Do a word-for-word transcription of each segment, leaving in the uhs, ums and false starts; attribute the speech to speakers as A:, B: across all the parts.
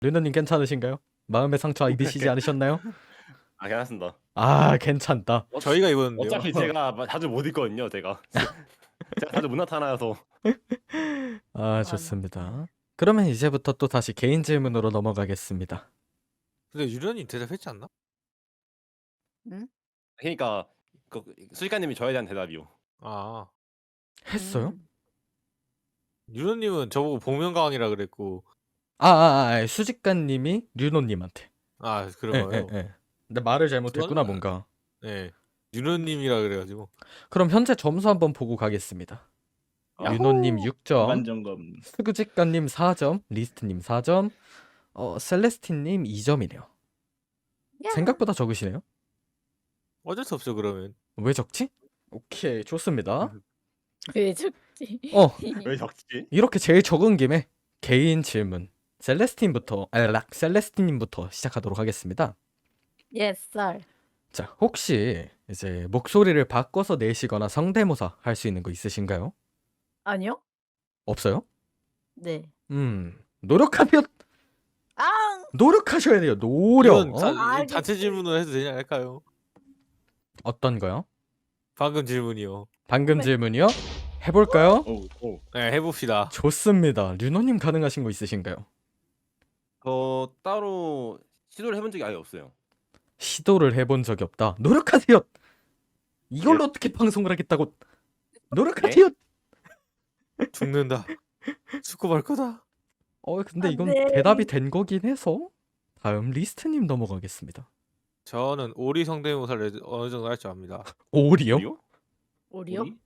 A: 르너님 괜찮으신가요? 마음의 상처 입으시지 않으셨나요?
B: 아 괜찮습니다.
A: 아 괜찮다.
B: 어,
C: 저희가 입었는데요.
B: 어차피 제가 마- 자주 못 입거든요. 제가 제가 자주 못 나타나서.
A: 아 좋습니다. 그러면 이제부터 또 다시 개인 질문으로 넘어가겠습니다.
C: 근데 유련님 대답했지 않나?
D: 응?
B: 그러니까 그 수직가님이 저에 대한 대답이요.
C: 아
A: 했어요?
D: 음.
C: 유련님은 저보고 복면가왕이라 그랬고
A: 아아아 아, 아, 수직가님이 류노님한테.
C: 아
A: 예,
C: 그런가요?
A: 예, 예. 근데 말을 잘못했구나
C: 저는-
A: 뭔가.
C: 네. 유련님이라 그래가지고
A: 그럼 현재 점수 한번 보고 가겠습니다.
B: 야호!
A: 류노님 육 점,
E: 일반 점검.
A: 수직가님 사 점, 리스트님 사 점, 어 셀레스틴님 이 점이네요.
D: 야.
A: 생각보다 적으시네요.
C: 어쩔 수 없죠 그러면.
A: 왜 적지? 오케이 좋습니다.
D: 왜 죽지?
A: 어
B: 왜 적지?
A: 이렇게 제일 적은 김에 개인 질문 셀레스틴부터 알락 셀레스틴님부터 시작하도록 하겠습니다.
D: Yes, sir.
A: 자 혹시 이제 목소리를 바꿔서 내시거나 성대모사 할 수 있는 거 있으신가요?
D: 아니요?
A: 없어요?
D: 네.
A: 음 노력하면
D: 아,
A: 노력하셔야 돼요. 노력.
C: 이건
A: 어?
C: 다,
D: 알겠어요.
C: 자체 질문을 해도 되냐 할까요?
A: 어떤 거요?
C: 방금 질문이요.
A: 방금
D: 네.
A: 질문이요? 해볼까요?
B: 오, 오.
C: 네 해봅시다.
A: 좋습니다. 류노님 가능하신 거 있으신가요?
B: 저 따로 시도를 해본 적이 아예 없어요.
A: 시도를 해본 적이 없다. 노력하세요. 이걸로
B: 예.
A: 어떻게 방송을 하겠다고? 노력하세요.
C: 죽는다. 수고할 거다.
A: 어 근데
D: 안
A: 이건
D: 돼.
A: 대답이 된 거긴 해서 다음 리스트님 넘어가겠습니다.
C: 저는 오리 성대모사를 어느 정도 할 줄 압니다.
A: 오리요?
B: 우리요?
D: 오리요?
B: 우리?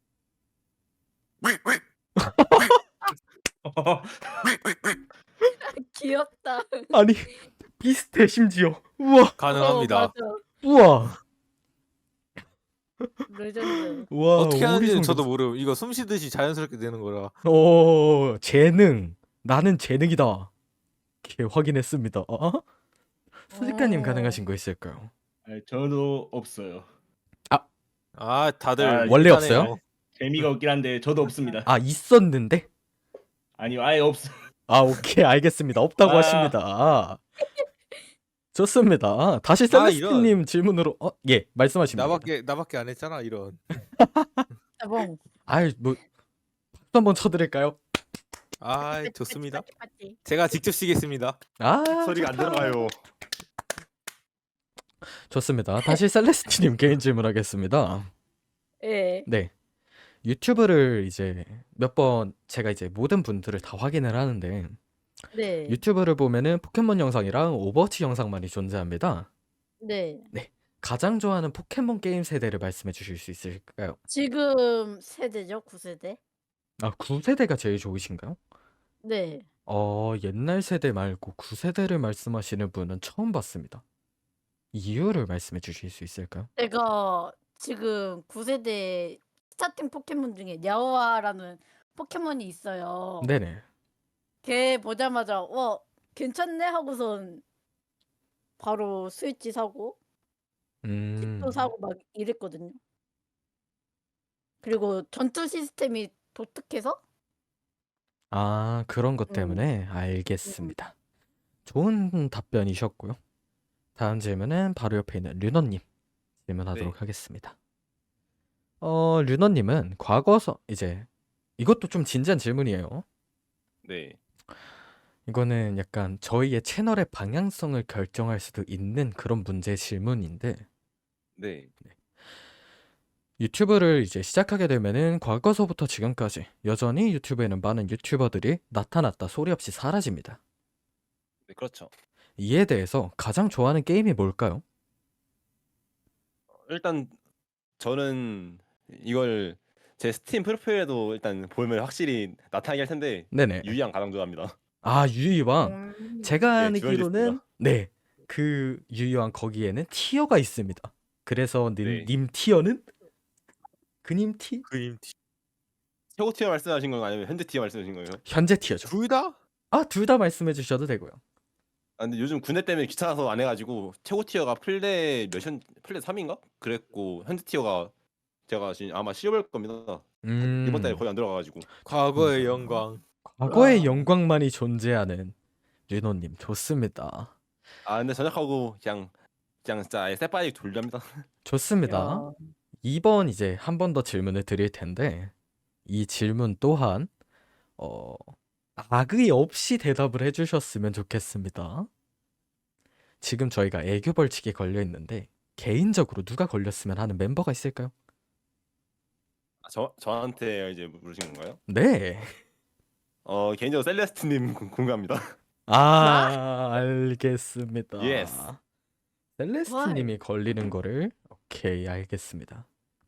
D: 귀엽다.
A: 아니 비슷해 심지어. 우와
C: 가능합니다.
D: 어, 맞아.
A: 우와
D: 레전드.
A: 우와
C: 어떻게 하는지는
A: 오리
C: 저도
A: 성대모사.
C: 모르고 이거 숨 쉬듯이 자연스럽게 되는 거라.
A: 오 재능. 나는 재능이다. 이렇게 확인했습니다. 어? 수직가님
D: 어.
A: 가능하신 거 있을까요?
E: 아, 저도 없어요.
C: 아 다들
E: 아,
A: 원래
C: 일단에요.
A: 없어요?
E: 재미가 없긴 한데 저도 없습니다.
A: 아 있었는데?
E: 아니요, 아예 없어.
A: 아 오케이 알겠습니다. 없다고
E: 아.
A: 하십니다. 좋습니다. 다시
C: 아,
A: 셀레스틴님 질문으로 어, 예 말씀하십니다.
C: 나밖에 나밖에 안 했잖아 이런.
D: 따봉.
A: 아이 뭐 박수 한번 쳐드릴까요?
C: 아 좋습니다.
D: 빠찌, 빠찌.
C: 제가 직접 쉬겠습니다.
A: 아
B: 소리가 안 들어가요.
A: 좋습니다. 다시 셀레스틴님 개인 질문하겠습니다.
D: 예.
A: 네 유튜브를 이제 몇 번 제가 이제 모든 분들을 다 확인을 하는데
D: 네.
A: 유튜브를 보면은 포켓몬 영상이랑 오버워치 영상만이 존재합니다.
D: 네.
A: 가장 좋아하는 포켓몬 게임 세대를 말씀해 주실 수 있을까요?
D: 지금 세대죠? 구 세대?
A: 아 구 세대가 제일 좋으신가요?
D: 네.
A: 어 옛날 세대 말고 구 세대를 말씀하시는 분은 처음 봤습니다. 이유를 말씀해 주실 수 있을까요?
D: 제가 지금 구 세대 스타팅 포켓몬 중에 냐오아라는 포켓몬이 있어요.
A: 네네.
D: 걔 보자마자 와 괜찮네 하고선 바로 스위치 사고
A: 음.
D: 칩도 사고 막 이랬거든요. 그리고 전투 시스템이 독특해서
A: 아 그런 것
D: 음.
A: 때문에 알겠습니다. 좋은 답변이셨고요. 다음 질문은 바로 옆에 있는 류너님 질문하도록
B: 네.
A: 하겠습니다. 어 류너님은 과거서 이제 이것도 좀 진지한 질문이에요.
B: 네.
A: 이거는 약간 저희의 채널의 방향성을 결정할 수도 있는 그런 문제 질문인데
B: 네.
A: 유튜브를 이제 시작하게 되면은 과거서부터 지금까지 여전히 유튜브에는 많은 유튜버들이 나타났다 소리 없이 사라집니다.
B: 네, 그렇죠.
A: 이에 대해서 가장 좋아하는 게임이 뭘까요?
B: 일단 저는 이걸 제 스팀 프로필에도 일단 보면 확실히 나타나게 할 텐데
A: 네네.
B: 유이양 가장 좋아합니다.
A: 아 유이왕.
D: 음.
A: 제가
B: 네, 듀얼리스트가.
A: 알기로는 네. 그 유이왕 거기에는 티어가 있습니다. 그래서 님,
B: 네.
A: 님 티어는 그님 티
C: 그림 티.
B: 최고 티어 말씀하신 건가요? 아니면 현재 티어 말씀하신 거예요?
A: 현재 티어죠.
C: 둘 다?
A: 아 둘 다 말씀해 주셔도 되고요.
B: 아 근데 요즘 군대 때문에 귀찮아서 안 해가지고 최고 티어가 플레 몇현 플레 삼인가? 그랬고 현재 티어가 제가 지금 아마 씌워볼 겁니다.
A: 음.
B: 이번 달에 거의 안 들어가가지고.
C: 과거의
A: 음.
C: 영광.
A: 과거의
D: 와.
A: 영광만이 존재하는 류노님 좋습니다.
B: 아 근데 전역하고 그냥 그냥 진짜 아예 쎄빠이 졸렵니다.
A: 좋습니다.
D: 야,
A: 이번 이제 한 번 더 질문을 드릴 텐데 이 질문 또한 어, 악의 없이 대답을 해주셨으면 좋겠습니다. 지금 저희가 애교 벌칙에 걸려 있는데 개인적으로 누가 걸렸으면 하는 멤버가 있을까요?
B: 아, 저 저한테 이제 물으신 건가요?
A: 네.
B: 어 개인적으로 셀레스트님 궁- 궁금합니다.
A: 아, 알겠습니다.
B: Yes.
A: 셀레스트님이 걸리는 거를 오케이 알겠습니다.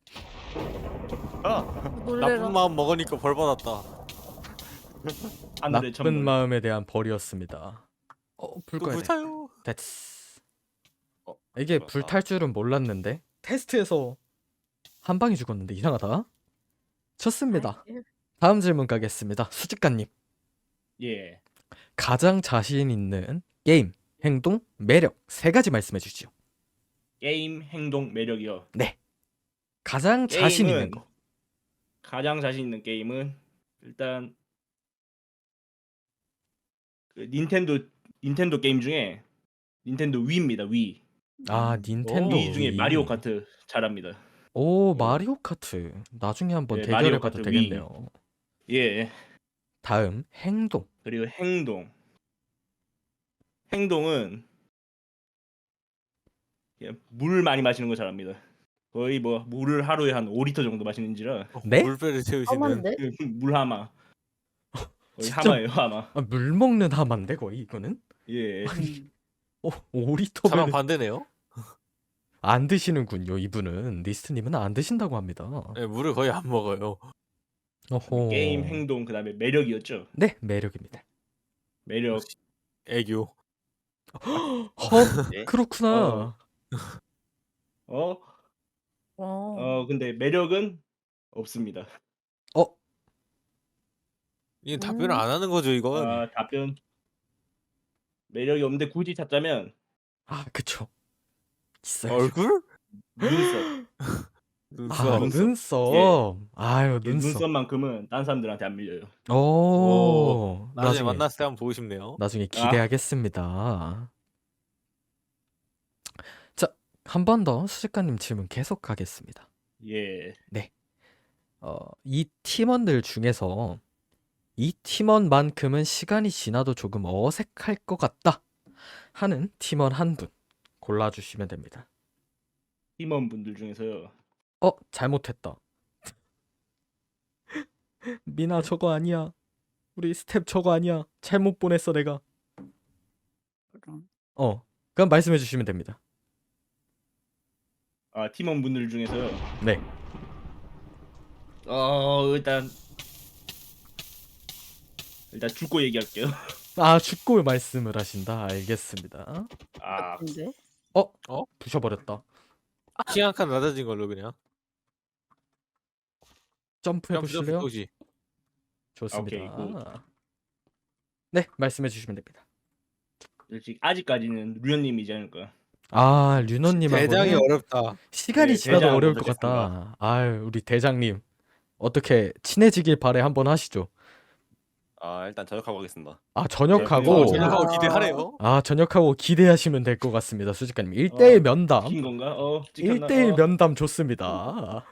B: 아
D: 놀래라.
C: 나쁜 마음 먹으니까 벌 받았다.
E: 하늘의
A: 나쁜
E: 천물.
A: 마음에 대한 벌이었습니다. 어, 불
C: 그
A: 꺼야 돼.
C: 불타요.
A: 됐어.
B: 어,
A: 이게
B: 그렇다.
A: 불탈 줄은 몰랐는데 테스트에서 한 방에 죽었는데 이상하다. 좋습니다. 다음 질문 가겠습니다. 수직가님.
E: 예.
A: 가장 자신 있는 게임, 행동, 매력 세 가지 말씀해 주시죠.
E: 게임, 행동, 매력이요.
A: 네. 가장 자신 있는
E: 게임은
A: 거.
E: 가장 자신 있는 게임은 일단 그 닌텐도 닌텐도 게임 중에 닌텐도 위입니다. 위.
A: 아, 닌텐도
E: 위 중에
A: 위.
E: 마리오 카트 잘합니다.
A: 오, 마리오 카트. 나중에 한번
E: 네,
A: 대결해
E: 마리오
A: 봐도
E: 카트 위.
A: 되겠네요.
E: 예.
A: 다음 행동.
E: 그리고 행동. 행동은 예, 물 많이 마시는 거 잘합니다. 거의 뭐 물을 하루에 한 오 리터 정도 마시는지라
A: 네?
C: 물배를 채우시는.
D: 험한데?
E: 그 물하마. 거의
A: 진짜?
E: 하마예요, 하마.
A: 아, 물 먹는 하마인데 거의 이거는?
E: 예.
D: 음.
A: 오, 오
C: 사람
A: 리터면
C: 반대네요.
A: 안 드시는군요. 이분은 리스트님은 안 드신다고 합니다.
C: 네, 물을 거의 안 먹어요.
A: 어호.
E: 게임, 행동, 그다음에 매력이었죠.
A: 네, 매력입니다.
E: 매력.
C: 애교.
A: 헉,
B: 예?
A: 그렇구나.
E: 어?
D: 어.
E: 어, 근데 매력은 없습니다.
A: 어,
C: 이 답변을
D: 음.
C: 안 하는 거죠 이건.
E: 아, 답변. 매력이 없는데 굳이 찾자면
A: 아, 그쵸. 있어요.
C: 얼굴?
E: 눈썹.
C: 눈썹.
A: 아,
E: 눈썹.
A: 눈썹. 아유,
E: 예,
A: 눈썹.
E: 눈썹만큼은 딴 사람들한테 안 밀려요.
A: 오,
C: 오, 나중에
A: 나중에
C: 만났을 때 한번 보고 싶네요.
A: 나중에 기대하겠습니다. 자, 한 번 더 수직가님 질문 계속 가겠습니다.
E: 예.
A: 어, 이 팀원들 중에서 이 팀원만큼은 시간이 지나도 조금 어색할 것 같다 하는 팀원 한 분 골라주시면 됩니다.
E: 팀원분들 중에서요.
A: 어, 잘못했다. 미나 저거 아니야. 우리 스텝 저거 아니야. 잘못 보냈어 내가.
D: 그럼.
A: 어, 그럼 말씀해 주시면 됩니다.
E: 아, 팀원분들 중에서요.
A: 네.
E: 어, 일단 일단 죽고 얘기할게요.
A: 아, 죽고 말씀을 하신다. 알겠습니다.
E: 아,
D: 근데
A: 어?
C: 어?
A: 부셔버렸다.
C: 키 한 칸 낮아진 걸로 그냥.
A: 점프해
C: 점프 점프
A: 보실래요?
C: 도시.
A: 좋습니다.
E: 오케이,
A: 네, 말씀해 주시면 됩니다.
E: 솔직히 아직까지는 루현님이지 않을까.
A: 아,
C: 대장이
A: 류노님하고는
C: 어렵다.
A: 시간이
E: 네,
A: 지나도
E: 대장
A: 어려울 것
E: 먼저
A: 같다. 아유, 우리 대장님 어떻게 친해지길 바래 한번 하시죠.
B: 아 일단 전역하고 가겠습니다.
A: 아,
E: 네,
A: 전역하고
E: 어,
C: 전역하고
D: 아.
C: 기대하래요.
A: 아, 전역하고 기대하시면 될 것 같습니다. 수직가님 일 대일
E: 어,
A: 면담.
E: 킨 건가? 어, 찍혔나?
A: 일 대일
E: 어.
A: 면담 좋습니다.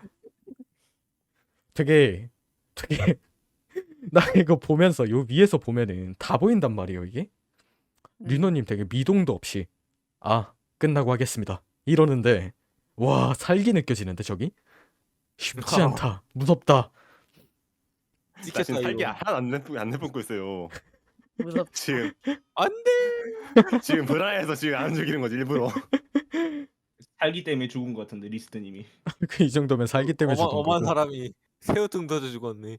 A: 되게 되게 나 이거 보면서 요 위에서 보면은 다 보인단 말이에요, 이게.
D: 음.
A: 류노님 되게 미동도 없이 아, 끝나고 하겠습니다. 이러는데 와, 살기 느껴지는데 저기? 쉽지 않다. 무섭다.
B: 나
C: 찍혔다
B: 지금 살기
C: 이거.
B: 하나 안 내뿜 안 내뿜고 있어요.
D: 무섭.
B: 지금
C: 안돼.
B: 지금 불안해서 지금 안 죽이는 거지 일부러.
E: 살기 때문에 죽은 것 같은데 리스트님이.
A: 그 이 정도면 살기 때문에
C: 어마,
A: 죽은
C: 어마한
A: 거고.
C: 사람이 새우등 던져 죽었네.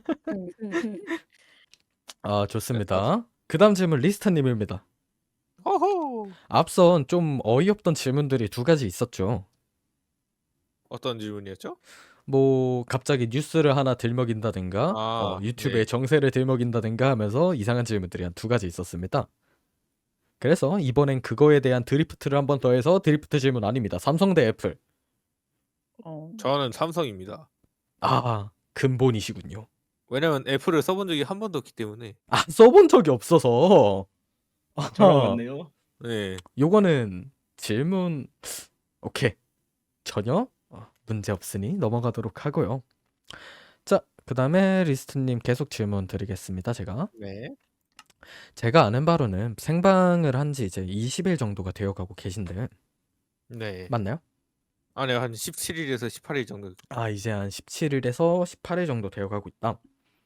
A: 아, 좋습니다. 그다음 질문 리스터님입니다.
C: 호호.
A: 앞선 좀 어이없던 질문들이 두 가지 있었죠.
C: 어떤 질문이었죠?
A: 뭐 갑자기 뉴스를 하나 들먹인다든가
C: 아,
A: 어, 유튜브에
C: 네.
A: 정세를 들먹인다든가 하면서 이상한 질문들이 한 두 가지 있었습니다. 그래서 이번엔 그거에 대한 드리프트를 한 번 더 해서 드리프트 질문 아닙니다. 삼성 대 애플.
D: 어.
C: 저는 삼성입니다.
A: 아, 근본이시군요.
C: 왜냐면 애플을 써본 적이 한 번도 없기 때문에.
A: 아, 써본 적이 없어서.
E: 저랑
A: 아하,
E: 같네요.
C: 네.
A: 요거는 질문 오케이. 전혀 어, 문제 없으니 넘어가도록 하고요. 자, 그다음에 리스트님 계속 질문 드리겠습니다. 제가
C: 네.
A: 제가 아는 바로는 생방을 한 지 이제 이십 일 정도가 되어가고 계신데
C: 네.
A: 맞나요?
C: 아니 한 십칠 일에서 십팔 일 정도.
A: 아, 이제 한 십칠 일에서 십팔 일 정도 되어가고 있다.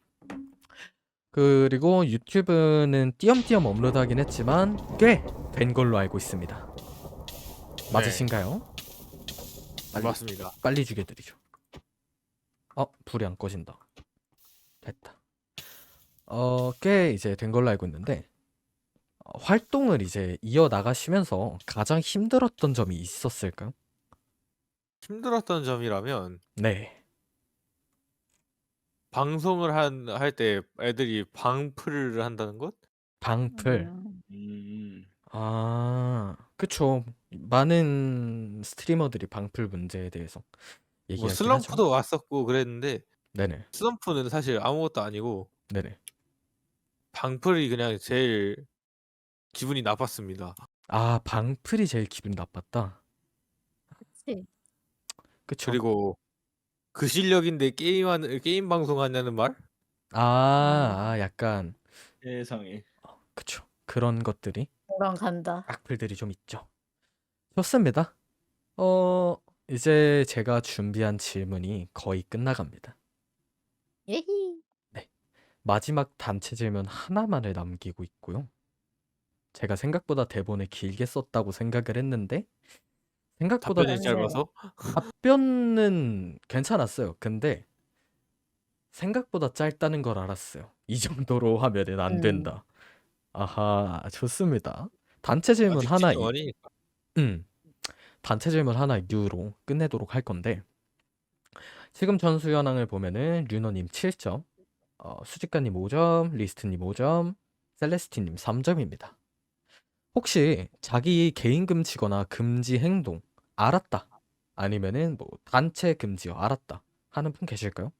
A: 그리고 유튜브는 띄엄띄엄 업로드하긴 했지만 꽤 된 걸로 알고 있습니다. 맞으신가요? 빨리,
C: 맞습니다.
A: 빨리 죽여드리죠. 어, 불이 안 꺼진다. 됐다. 어, 꽤 이제 된 걸로 알고 있는데 어, 활동을 이제 이어나가시면서 가장 힘들었던 점이 있었을까요?
C: 힘들었던 점이라면
A: 네.
C: 방송을 한 할 때 애들이 방풀을 한다는 것?
A: 방풀.
D: 음,
E: 음.
A: 아, 그쵸. 많은 스트리머들이 방풀 문제에 대해서
C: 뭐
A: 얘기하긴 하죠.
C: 슬럼프도 왔었고 그랬는데
A: 네네.
C: 슬럼프는 사실 아무것도 아니고
A: 네네.
C: 방풀이 그냥 제일 기분이 나빴습니다.
A: 아, 방풀이 제일 기분 나빴다.
D: 그치.
A: 그쵸.
C: 그리고 그 실력인데 게임하는 게임 방송하냐는 말?
A: 아, 아, 약간
E: 세상에.
A: 그쵸. 그런 것들이
D: 그럼 간다.
A: 악플들이 좀 있죠. 좋습니다. 어, 이제 제가 준비한 질문이 거의 끝나갑니다.
D: 예히.
A: 마지막 단체 질문 하나만을 남기고 있고요. 제가 생각보다 대본을 길게 썼다고 생각을 했는데 생각보다
C: 답변이
D: 네.
C: 짧아서
A: 답변은 괜찮았어요. 근데 생각보다 짧다는 걸 알았어요. 이 정도로 하면은 안
D: 음.
A: 된다. 아하, 좋습니다. 단체 질문
C: 아직
A: 하나,
C: 진행
A: 이,
C: 아니니까.
A: 음, 단체 질문 하나 이유로 끝내도록 할 건데 지금 전수 현황을 보면은 류노님 칠 점, 어, 수직가님 오 점, 리스트님 오 점, 셀레스티님 삼 점입니다. 혹시 자기 개인 금지거나 금지 행동 알았다 아니면은 뭐 단체 금지요 알았다 하는 분 계실까요?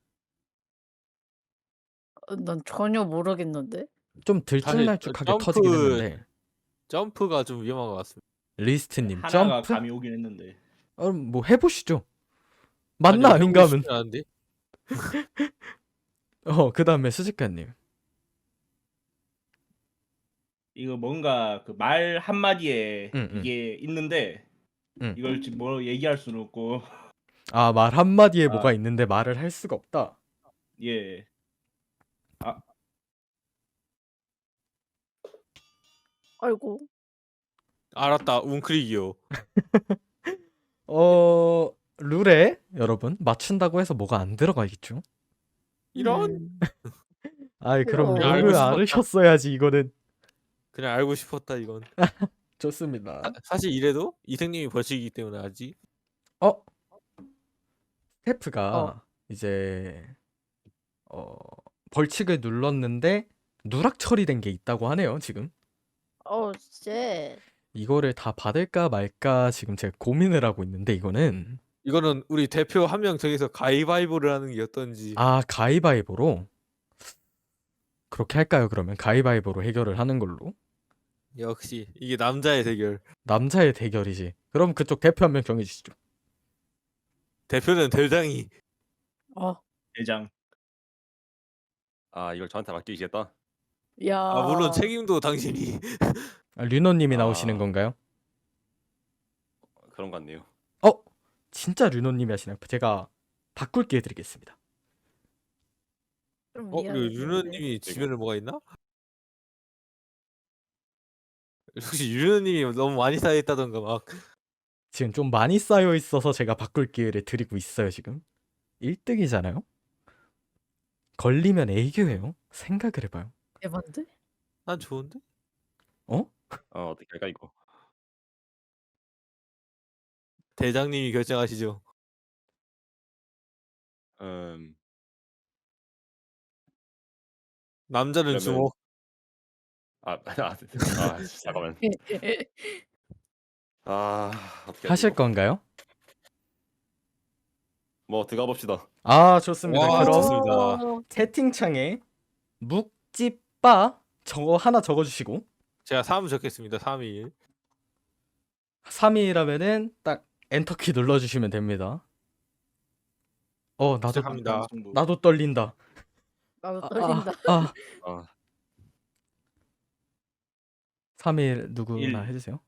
D: 어, 난 전혀 모르겠는데.
A: 좀
C: 사실
A: 들쭉날쭉하게
C: 점프
A: 터지긴 했는데
C: 점프가 좀 위험한 것 같습니다.
A: 리스트님
E: 하나가
A: 점프?
E: 감이 오긴 했는데.
A: 어, 뭐 해보시죠. 맞나
C: 아니,
A: 아닌가
C: 해보고
A: 하면
C: 싶진 않은데
A: 어, 그 다음에 수직가님
E: 이거 뭔가 그 말 한마디에
A: 응, 응,
E: 이게 있는데
A: 응.
E: 이걸 지금 뭐 얘기할 수는 없고
A: 아, 말 한마디에
E: 아.
A: 뭐가 있는데 말을 할 수가 없다.
E: 예.
D: 아이고.
C: 알았다 웅크리기요.
A: 어, 룰에 여러분 맞춘다고 해서 뭐가 안 들어가겠죠?
C: 이런
D: 음.
A: 아이, 그럼
D: 그럼
C: 알고
A: 룰을
C: 싶었다.
A: 알으셨어야지 이거는.
C: 그냥 알고 싶었다 이건.
A: 좋습니다.
C: 사, 사실 이래도 이생님이 벌칙이기 때문에 아직
A: 어, 스태프가
D: 어.
A: 이제 어, 벌칙을 눌렀는데 누락 처리된 게 있다고 하네요, 지금.
D: 어, 쎄.
A: 이거를 다 받을까 말까 지금 제가 고민을 하고 있는데 이거는
C: 이거는 우리 대표 한 명 정해서 가위바위보를 하는 게 어떤지.
A: 아, 가위바위보로 그렇게 할까요, 그러면? 가위바위보로 해결을 하는 걸로.
C: 역시 이게 남자의 대결.
A: 남자의 대결이지. 그럼 그쪽 대표 한 명 정해 주시죠.
C: 대표는 대장이.
D: 어.
E: 대장.
B: 아 이걸 저한테 맡기시겠다.
D: 야.
C: 아 물론 책임도 당신이.
A: 아, 류노 님이
B: 아.
A: 나오시는 건가요?
B: 그런 것 같네요.
A: 어? 진짜 류노 님이 하시나요? 제가 바꿀 기회 드리겠습니다.
D: 좀
C: 어, 그리고
D: 미안한데.
C: 유느님이 지면을 뭐가 있나? 혹시 유느님이 너무 많이 쌓여있다던가 막.
A: 지금 좀 많이 쌓여 있어서 제가 바꿀 기회를 드리고 있어요, 지금. 일 등이잖아요? 걸리면 애교예요. 생각을 해봐요.
D: 대박인데?
C: 난 좋은데?
A: 어?
B: 어 어떻게 할까 이거.
C: 대장님이 결정하시죠.
B: 음
C: 남자는
B: 그러면-
C: 주먹.
B: 아, 아, 아 잠깐만. 아 어떻게 하지,
A: 하실
B: 이거?
A: 건가요?
B: 뭐 들어가 봅시다.
A: 아, 좋습니다.
C: 와,
A: 그럼
C: 좋습니다.
D: 어,
A: 채팅창에 묵찌빠 저거 하나 적어주시고
C: 제가 삼 적겠습니다. 삼 일.
A: 삼 일이라면은 딱 엔터키 눌러주시면 됩니다. 어 나도
C: 시작합니다.
E: 정도.
A: 나도 떨린다.
D: 나도
A: 아,
D: 떨린다.
A: 아, 아.
B: 아,
A: 삼 일 누구나
E: 일.
A: 해주세요.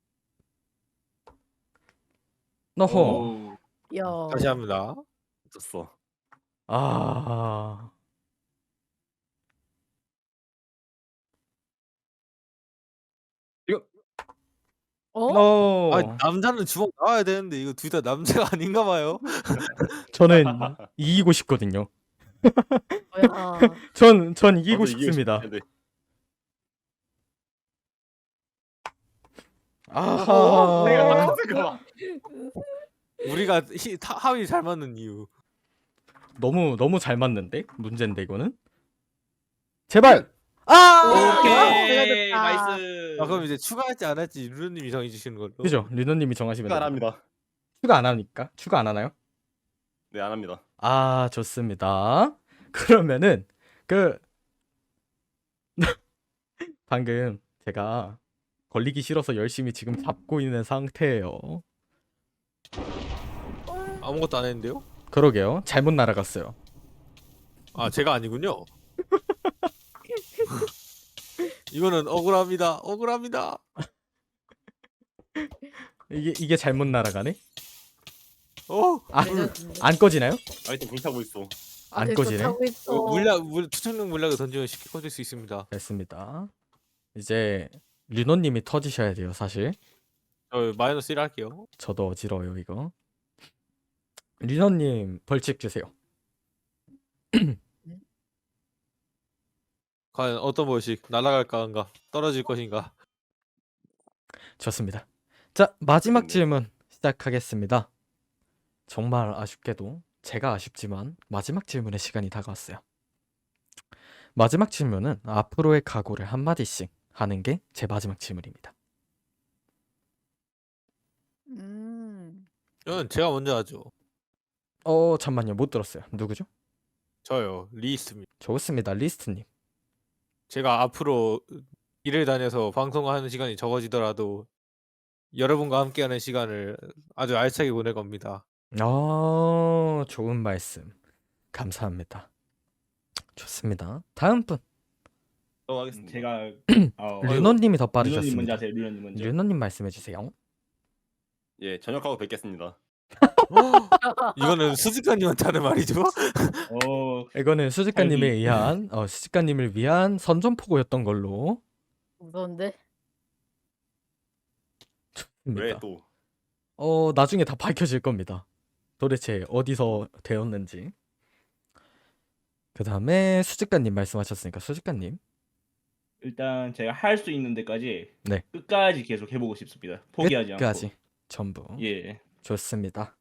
A: 너호.
E: 오.
D: 야.
C: 다시 합니다.
B: 졌어.
A: 아.
D: 어?
A: 어.
C: 아 남자는 주먹 나와야 되는데 이거 둘 다 남자가 아닌가 봐요.
A: 저는 이기고 싶거든요.
D: 뭐야.
A: 전, 전 이기고
B: 저도
A: 싶습니다.
B: 싶은데.
A: 아하.
B: 내가 잠깐만.
C: 우리가 히, 타, 합이 잘 맞는 이유.
A: 너무 너무 잘 맞는데? 문제인데 이거는? 제발. 아!
E: 오케이
D: 좋다.
E: 나이스.
C: 아 그럼 이제 추가할지 안 할지 루루님이 정해 주시는 걸로.
A: 그죠? 류노님이 정하시면
B: 추가 안
A: 됩니다.
B: 합니다.
A: 추가 안 하니까? 추가 안 하나요?
B: 네, 안 합니다.
A: 아, 좋습니다. 그러면은 그 방금 제가 걸리기 싫어서 열심히 지금 잡고 있는 상태예요.
C: 아무것도 안 했는데요?
A: 그러게요. 잘못 날아갔어요.
C: 아 제가 아니군요. 이거는 억울합니다. 억울합니다.
A: 이게 이게 잘못 날아가네?
C: 어
A: 아,
D: 레전드.
A: 안 꺼지나요?
B: 아이템 불타고 있어.
A: 안
D: 아직도
A: 꺼지네?
D: 타고 있어.
C: 물약 물 투척용 물약을 던지면 쉽게 꺼질 수 있습니다.
A: 됐습니다. 이제 류노님이 터지셔야 돼요, 사실.
C: 저 마이너스 일 할게요.
A: 저도 어지러워요, 이거. 류노님 벌칙 주세요.
C: 과연 어떤 벌칙 날아갈까 한가 떨어질 것인가.
A: 좋습니다. 자, 마지막
B: 됐네.
A: 질문 시작하겠습니다. 정말 아쉽게도 제가 아쉽지만 마지막 질문의 시간이 다가왔어요. 마지막 질문은 앞으로의 각오를 한마디씩 하는 게 제 마지막 질문입니다.
D: 음.
C: 이건 제가 먼저 하죠.
A: 어, 잠만요. 못 들었어요. 누구죠?
C: 저요 리스입니다.
A: 좋습니다. 리스트님.
C: 제가 앞으로 일을 다녀서 방송하는 시간이 적어지더라도 여러분과 함께하는 시간을 아주 알차게 보낼 겁니다.
A: 어, 좋은 말씀. 감사합니다. 좋습니다. 다음 분.
B: 또 하겠습니다.
E: 제가 어,
A: 류노님이 더
E: 류노님 먼저
A: 빠르셨습니다.
E: 하세요. 류노님 먼저.
A: 류노님 말씀해 주세요.
B: 예, 저녁하고 뵙겠습니다.
C: 이거는 수직가님한테 하는 말이죠.
E: 어
A: 이거는 수직가님에
E: 살기.
A: 의한 어, 수직가님을 위한 선전포고였던 걸로.
D: 무서운데?
B: 왜
A: 좋습니다.
B: 또?
A: 어, 나중에 다 밝혀질 겁니다. 도대체 어디서 되었는지. 그 다음에 수직가님 말씀하셨으니까 수직가님.
E: 일단 제가 할 수 있는 데까지
A: 네.
E: 끝까지 계속 해보고 싶습니다. 포기하지
A: 끝까지
E: 않고.
A: 전부.
E: 예.
A: 좋습니다.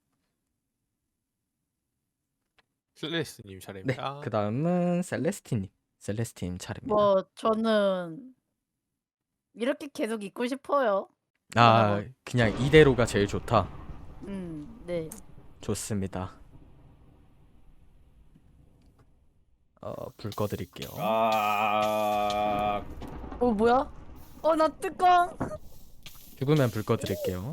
C: 슬레스님
A: 네.
C: 차례입니다.
A: 그 다음은 셀레스틴님. 셀레스틴 차례입니다.
D: 뭐 저는 이렇게 계속 있고 싶어요.
A: 아, 그냥 이대로가 제일 좋다.
D: 음, 네.
A: 좋습니다. 어, 불 꺼드릴게요.
E: 아
D: 어 뭐야? 어 나 뚜껑.
A: 죽으면 불 꺼드릴게요.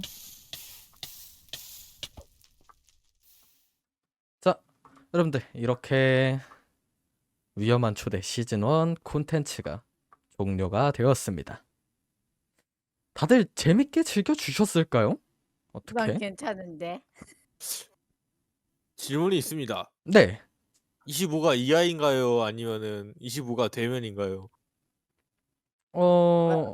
A: 자, 여러분들 이렇게 위험한 초대 시즌 일 콘텐츠가 종료가 되었습니다. 다들 재밌게 즐겨주셨을까요?
D: 난
A: 어떻게?
D: 괜찮은데.
C: 질문이 있습니다.
A: 네.
C: 이십오가 이하인가요? 아니면은 이십오가 대면인가요?
A: 어...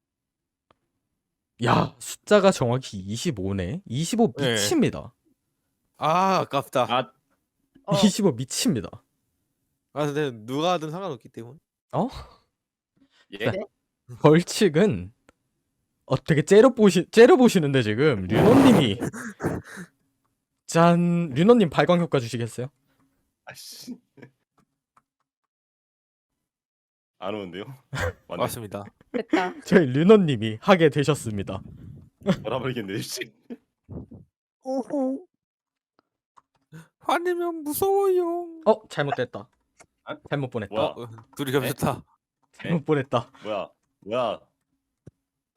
A: 야, 숫자가 정확히 이십오네. 이십오
C: 네.
A: 미칩니다.
C: 아 아깝다.
E: 아,
D: 어.
A: 이십오 미칩니다.
C: 아 근데 누가 하든 상관없기 때문에.
B: 예.
D: 네.
A: 벌칙은 어떻게 째려보시, 째려보시는데 지금 류노님이 짠, 류노님 발광 효과 주시겠어요?
B: 아씨. 안 오는데요? 맞네.
C: 맞습니다.
D: 됐다.
A: 저희 류노님이 하게 되셨습니다.
B: 돌아버리겠네. 씨.
D: 오호.
C: 화내면 무서워요.
A: 어, 잘못됐다.
B: 아?
A: 잘못 보냈다.
B: 뭐야?
C: 어, 둘이 겹쳤다.
A: 잘못 보냈다.
B: 뭐야? 뭐야?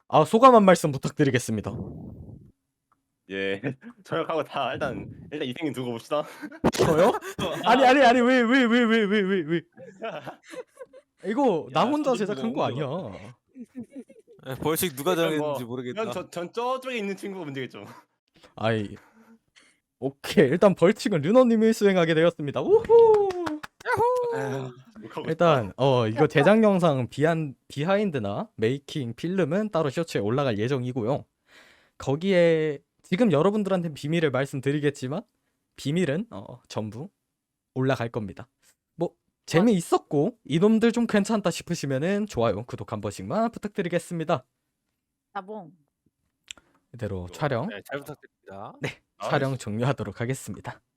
A: 아 소감 한 말씀 부탁드리겠습니다.
B: 예, 저녁하고 다 일단 일단 이생님 두고 봅시다.
A: 저요? 아니 아니 아니 왜 왜 왜 왜 왜 왜 왜 이거 나
B: 야,
A: 혼자
B: 저도
A: 제작한 거
B: 너무
A: 아니야.
C: 에, 벌칙 누가
B: 그냥
C: 정했는지
B: 뭐,
C: 모르겠다.
B: 그냥 저, 전 저쪽에 있는 친구가 문제겠죠.
A: 아이 오케이 일단 벌칙은 르너님이 수행하게 되었습니다. 우후.
B: 욕하고
A: 일단 어 이거 제작 영상 비한 비하인드나 메이킹 필름은 따로 쇼츠에 올라갈 예정이고요. 거기에 지금 여러분들한테 비밀을 말씀드리겠지만 비밀은 어 전부 올라갈 겁니다. 뭐 재미있었고 이놈들 좀 괜찮다 싶으시면은 좋아요, 구독 한 번씩만 부탁드리겠습니다.
D: 나봉.
A: 이대로 촬영
C: 네, 잘 부탁드립니다.
B: 싶다.
A: 촬영 종료하도록 하겠습니다.